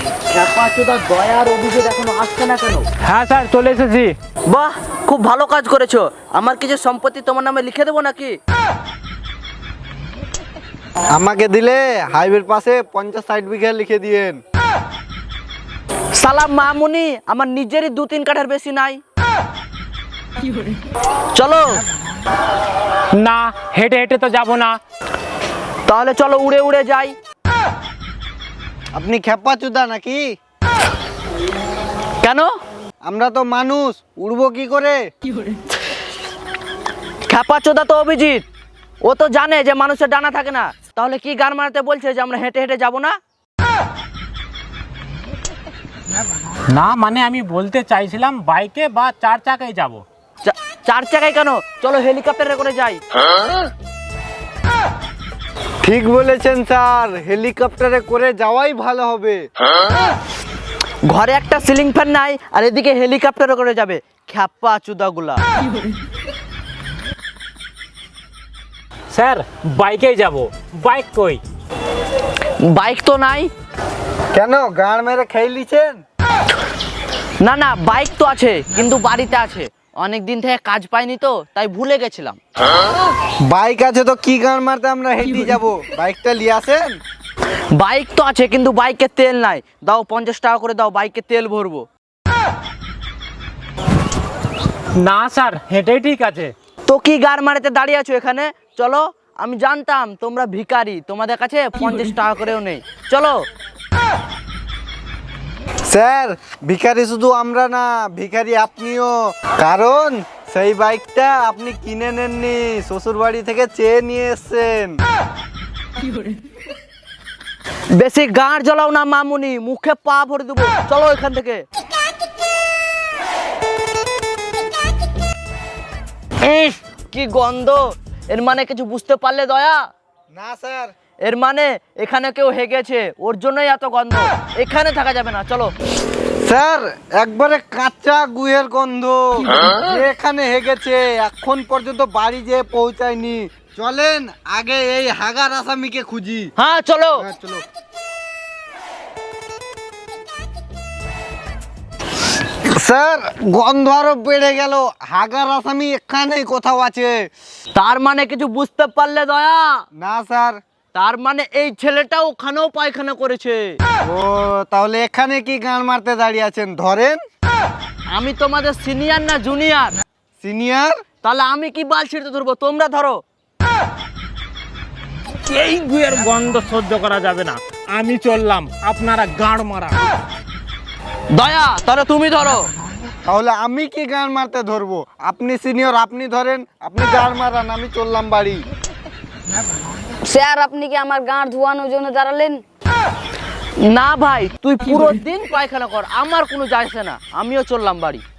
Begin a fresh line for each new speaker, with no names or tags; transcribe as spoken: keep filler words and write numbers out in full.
দয়ার অভিযোগ এখনো আসছে না কেন?
হ্যাঁ স্যার, চলে এসেছি।
বাহ, খুব ভালো কাজ করেছো। আমার কিছু সম্পত্তি তোমার নামে লিখে দেবো নাকি?
আমাকে দিলে হাইওয়ের পাশে পঞ্চাশ ষাট বিঘা লিখে দিয়েন।
সালাম মামুনি, আমার নিজেরই দু তিন কাঠার বেশি নাই। চলো।
না, হেঁটে হেঁটে তো যাব না।
তাহলে চলো উড়ে উড়ে যাই।
আপনি খেপা চুদা নাকি?
কেন?
আমরা তো মানুষ, উড়বো কি করে?
খ্যাপা চোদা তো অভিজিৎ, ও তো জানে যে মানুষের ডানা থাকে না। তাহলে কি গান মারাতে বলছে যে আমরা হেঁটে হেঁটে যাব না?
না মানে আমি বলতে চাইছিলাম বাইকে বা চার চাকায় যাব।
চা- চার চাকায় কেন? চলো হেলিকপ্টারে করে যাই।
ঠিক বলেছেন স্যার, হেলিকপ্টারে করে যাওয়াই ভালো হবে।
ঘরে একটা সিলিং ফ্যান নাই আর এদিকে হেলিকপ্টারে করে যাবে, খ্যাপা চুদাগুলা।
স্যার বাইকেই যাব। বাইক কই?
বাইক তো নাই।
কেন, গাড় মেরে খেয়ে লিছেন?
না না, বাইক তো আছে কিন্তু বাড়িতে আছে, অনেক দিন থেকে কাজ পাইনি তো তাই ভুলে গেছিলাম।
বাইক আছে তো কি গাড় মারতে আমরা হেঁটে যাব? বাইকটা নিয়ে আসেন।
বাইক তো আছে কিন্তু বাইকে তেল নাই। দাও পঞ্চাশ টাকা করে দাও, বাইকে তেল ভরবো।
না স্যার, হেঁটেই ঠিক আছে।
তো কি গাড় মারাতে দাঁড়িয়ে আছো এখানে? চলো। আমি জানতাম তোমরা ভিখারি, তোমাদের কাছে পঞ্চাশ টাকা করেও নেই। চলো।
স্যার, ভিখারি শুধু আমরা না, ভিখারি আপনিও। কারণ সেই বাইকটা আপনি কিনে নেননি, শ্বশুর বাড়ি থেকে চেয়ে নিয়ে এসছেন।
বেশি গাঁড় জ্বলাও না মামুনি, মুখে পা ভরে দেবো। চলো এখান থেকে। ইস, কি গন্ধ! এর মানে কিছু বুঝতে পারলে দয়া?
না স্যার।
এর মানে এখানে কেউ হেগেছে, ওর জন্যই এত গন্ধ। এখানে থাকা যাবে না, চলো।
স্যার, একবারে কাঁচা গুয়ের গন্ধ। যে এখানে হেগেছে এখন পর্যন্ত বাড়ি যেয়ে পৌঁছায়নি। চলেন আগে এই হাগার আসামিকে খুঁজি।
হ্যাঁ চলো।
হ্যাঁ চলো। স্যার, গন্ধ আরো বেড়ে গেল। হাগার আসামি এখানেই কোথাও আছে।
তার মানে কিছু বুঝতে পারলে দয়া?
না স্যার।
তার মানে এই ছেলেটা ওখানেও পায়খানা করেছে।
ও, তাহলে এখানে কি গান মারতে দাঁড়িয়ে আছেন? ধরেন।
আমি তোমাদের সিনিয়র না জুনিয়র?
সিনিয়র।
তাহলে আমি কি বাল ছিঁড়তে ধরবো? তোমরা ধরো।
এই গুয়ের গন্ধ সহ্য করা যাবে না, আমি চললাম, আপনারা গাঁড় মারা।
দয়া, তাহলে তুমি ধরো।
তাহলে আমি কি গান মারতে ধরবো? আপনি সিনিয়র, আপনি ধরেন, আপনি গান মারান, আমি চললাম বাড়ি।
স্যার, আপনি কি আমার গাঁট ধোয়ানোর জন্য দাঁড়ালেন?
না ভাই, তুই পুরো দিন পায়খানা কর, আমার কোনো যায় আসে না, আমিও চললাম বাড়ি।